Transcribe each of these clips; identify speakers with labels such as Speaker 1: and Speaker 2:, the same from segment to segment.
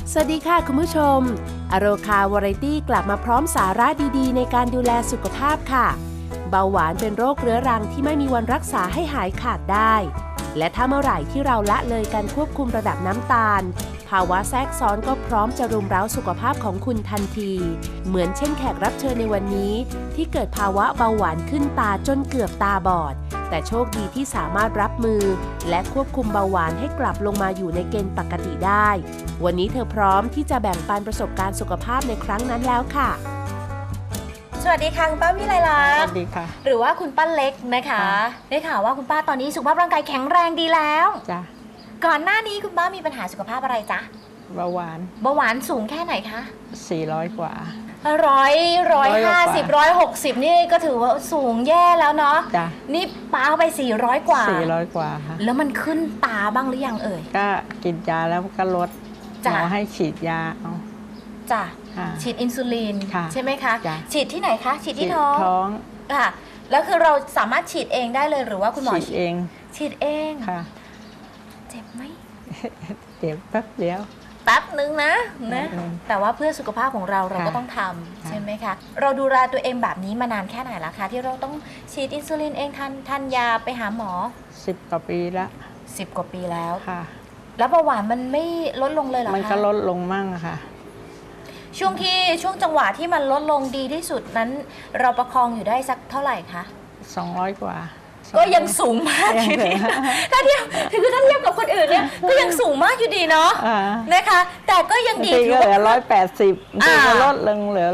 Speaker 1: สวัสดีค่ะคุณผู้ชมอโรคาวาไรตี้กลับมาพร้อมสาระดีๆในการดูแลสุขภาพค่ะเบาหวานเป็นโรคเรื้อรังที่ไม่มีวันรักษาให้หายขาดได้และถ้าเมื่อไหร่ที่เราละเลยการควบคุมระดับน้ำตาลภาวะแทรกซ้อนก็พร้อมจะรุมเร้าสุขภาพของคุณทันทีเหมือนเช่นแขกรับเชิญในวันนี้ที่เกิดภาวะเบาหวานขึ้นตาจนเกือบตาบอดแต่โชคดีที่สามารถรับมือและควบคุมเบาหวานให้กลับลงมาอยู่ในเกณฑ์ปกติได้วันนี้เธอพร้อมที่จะแบ่งปันประสบการณ์สุขภาพในครั้งนั้นแล้วค่ะ
Speaker 2: สวัสดีค่ะคุณป้าวิไลลักษณ์
Speaker 3: สวัสดีค่ะ
Speaker 2: หรือว่าคุณป้าเล็กนะคะได้ข่าวว่าคุณป้าตอนนี้สุขภาพร่างกายแข็งแรงดีแล้ว
Speaker 3: จ้ะ
Speaker 2: ก่อนหน้านี้คุณป้ามีปัญหาสุขภาพอะไรจ๊ะ
Speaker 3: เบาหวาน
Speaker 2: เบาหวานสูงแค่ไหนคะ
Speaker 3: 400 กว่า
Speaker 2: 150 นี่ก็ถือว่าสูงแย่แล้วเนาะ
Speaker 3: จ้ะ
Speaker 2: นี่ป้าเอาไป400 กว่า
Speaker 3: 400 กว่าค่ะ
Speaker 2: แล้วมันขึ้นตาบ้างหรือยังเอ่ย
Speaker 3: ก็กินยาแล้วก็ลดหมอให้ฉีดยาเอา
Speaker 2: จ้ะฉีดอินซูลินใช่ไหมคะฉีดที่ไหนคะฉีดที่ท้องค่ะแล้วคือเราสามารถฉีดเองได้เลยหรือว่าคุณหมอ
Speaker 3: ฉีดเองค่ะ
Speaker 2: เจ็บไหม
Speaker 3: เจ็บแป๊บเดียว
Speaker 2: แป๊บนึงนะแต่ว่าเพื่อสุขภาพของเราก็ต้องทำใช่ไหมคะเราดูแลตัวเองแบบนี้มานานแค่ไหนแล้วคะที่เราต้องฉีดอินซูลินเองทานยาไปหาหมอ
Speaker 3: 10 กว่าปีแล้ว
Speaker 2: 10 กว่าปีแล้ว
Speaker 3: ค่ะ
Speaker 2: แล้วเบาหวานมันไม่ลดลงเลยเหรอคะ
Speaker 3: มันก็ลดลงมั่งค่ะ
Speaker 2: ช่วงจังหวะที่มันลดลงดีที่สุดนั้นเราประคองอยู่ได้สักเท่าไหร่คะ
Speaker 3: 200 กว่า
Speaker 2: ก็ยังสูงมากอยู่ดีถ้าเทียบกับคนอื่นเนี่ยก็ยังสูงมากอยู่ดีเนาะนะคะแต่ก็ยังดี
Speaker 3: ที่เหลือ180ที่ลดลงเหลือ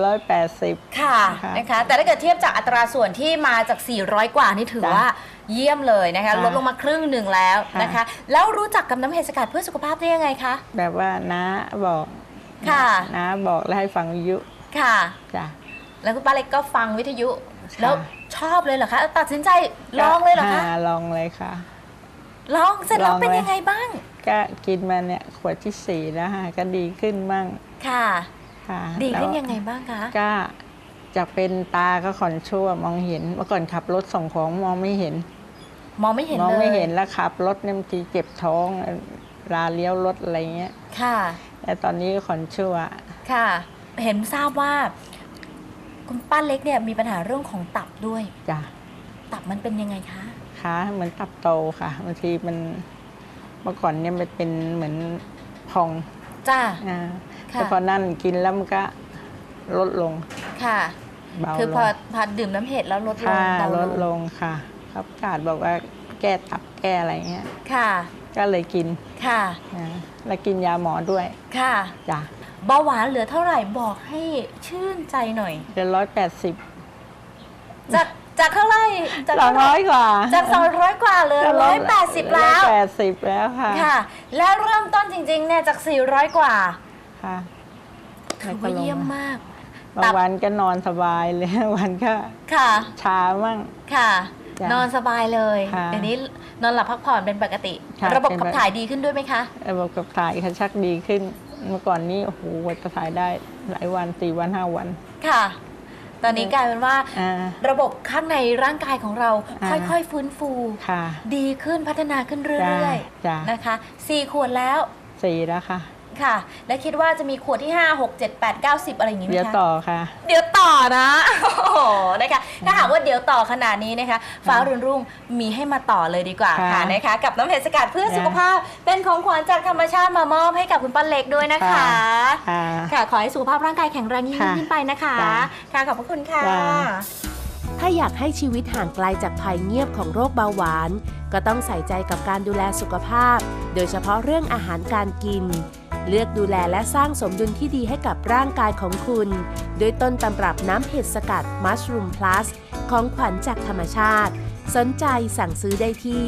Speaker 3: 180
Speaker 2: ค่ะนะคะแต่ถ้าเกิดเทียบจากอัตราส่วนที่มาจาก400 กว่านี่ถือว่าเยี่ยมเลยนะคะลดลงมาครึ่งหนึ่งแล้วนะคะแล้วรู้จักกับน้ำเห็ดสกัดเพื่อสุขภาพได้ยังไงคะ
Speaker 3: แบบว่าน้าบอก
Speaker 2: ค่ะ
Speaker 3: น้าบอกแล้วให้ฟังวิทยุ
Speaker 2: ค่ะ
Speaker 3: จ้ะ
Speaker 2: แล้วคุณป้าเล็กก็ฟังวิทยุแล้วชอบเลยเหรอคะตัดสินใจลองเลยเหรอคะ
Speaker 3: ลองเลยค่ะ
Speaker 2: ลองเสร็จแล้วเป็นยังไงบ้าง
Speaker 3: ก็กินมาเนี่ยขวดที่4แล้วค่ะก็ดีขึ้นบ้าง
Speaker 2: ค่ะดีขึ้นยังไงบ้างคะ
Speaker 3: ก็จากเป็นตาก็ขอนชั่วมองเห็นเมื่อก่อนขับรถส่งของมองไม่เห็นแล้วขับรถเนี่ยบางทีเจ็บท้องลาเลี้ยวรถอะไรเงี้ย
Speaker 2: ค่ะ
Speaker 3: แต่ตอนนี้ขอนชั่ว
Speaker 2: ค่ะเห็นทราบว่าคุณป้าเล็กเนี่ยมีปัญหาเรื่องของตับด้วย
Speaker 3: จ้ะ
Speaker 2: ตับมันเป็นยังไงคะ
Speaker 3: เหมือนตับโตค่ะบางทีมันเมื่อก่อนเนี่ยมันเป็นเหมือนพอง
Speaker 2: จ้า
Speaker 3: แต่พอนั่นกินแล้วมันก็ลดลง
Speaker 2: ค่ะคือพอดื่มน้ำเห็ดแล้วลดลง
Speaker 3: ลดลงค่ะครับกาดบอกว่าแก้ตับแก้อะไรเงี้ย
Speaker 2: ค่ะ
Speaker 3: ก็เลยกิน
Speaker 2: ค่ะ
Speaker 3: แล้วกินยาหมอด้วย
Speaker 2: ค่ะ
Speaker 3: จ้ะ
Speaker 2: เบาหวานเหลือเท่าไหร่บอกให้ชื่นใจหน่อย
Speaker 3: เหลือ180
Speaker 2: จากเท่าไหร่
Speaker 3: จาก200 กว่า
Speaker 2: จาก200 กว่าเลย180แล้ว
Speaker 3: 180แล้ว
Speaker 2: ค่ะแล้วเริ่มต้นจริงๆเนี่ยจาก400 กว่า
Speaker 3: ค่ะ
Speaker 2: ถือว่าเยี่ยมมาก
Speaker 3: บางวันก็นอนสบายเลยวันก็ชามั่ง
Speaker 2: ค่ะนอนสบายเลยเดี๋ยวนี้นอนหลับพักผ่อนเป็นปกติระบบขับถ่ายดีขึ้นด้วยไหมคะ
Speaker 3: ระบบขับถ่ายชักดีขึ้นเมื่อก่อนนี้โอ้โหจะถ่ายได้หลายวัน4 วัน 5 วัน
Speaker 2: ค่ะตอนนี้กลายเป็นว่าระบบข้างในร่างกายของเราค่อยๆฟื้นฟูดีขึ้นพัฒนาขึ้นเรื่อยๆนะคะ4 ขวดแล้ว
Speaker 3: 4แล้วค่ะ
Speaker 2: ค่ะและคิดว่าจะมีขวดที่5 6 7 8 9 10อะไรอย่างนี้ไหมคะ
Speaker 3: เดี๋ยวต่อค่ะ
Speaker 2: เดี๋ยวต่อนะโอ้โหนะคะถ้าหากว่าเดี๋ยวต่อขนาดนี้นะคะฟ้ารุ่งมีให้มาต่อเลยดีกว่าค่ะนะคะกับน้ำเห็ดสกัดเพื่อสุขภาพเป็นของขวัญจากธรรมชาติมามอบให้กับคุณป้าเล็กด้วยนะคะค่ะขอให้สุขภาพร่างกายแข็งแรงยิ่งขึ้นไปนะคะค่ะขอบพระคุณค่ะ
Speaker 1: ถ้าอยากให้ชีวิตห่างไกลจากภัยเงียบของโรคเบาหวานก็ต้องใส่ใจกับการดูแลสุขภาพโดยเฉพาะเรื่องอาหารการกินเลือกดูแลและสร้างสมดุลที่ดีให้กับร่างกายของคุณด้วยต้นตำรับน้ำเห็ดสกัด Mushroom Plus ของขวัญจากธรรมชาติสนใจสั่งซื้อได้ที่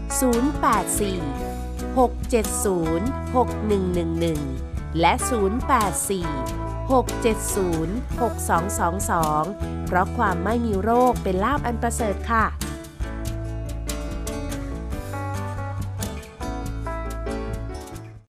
Speaker 1: 084 670 6111 และ 084 670 6222 เพราะความไม่มีโรคเป็นลาภอันประเสริฐค่ะ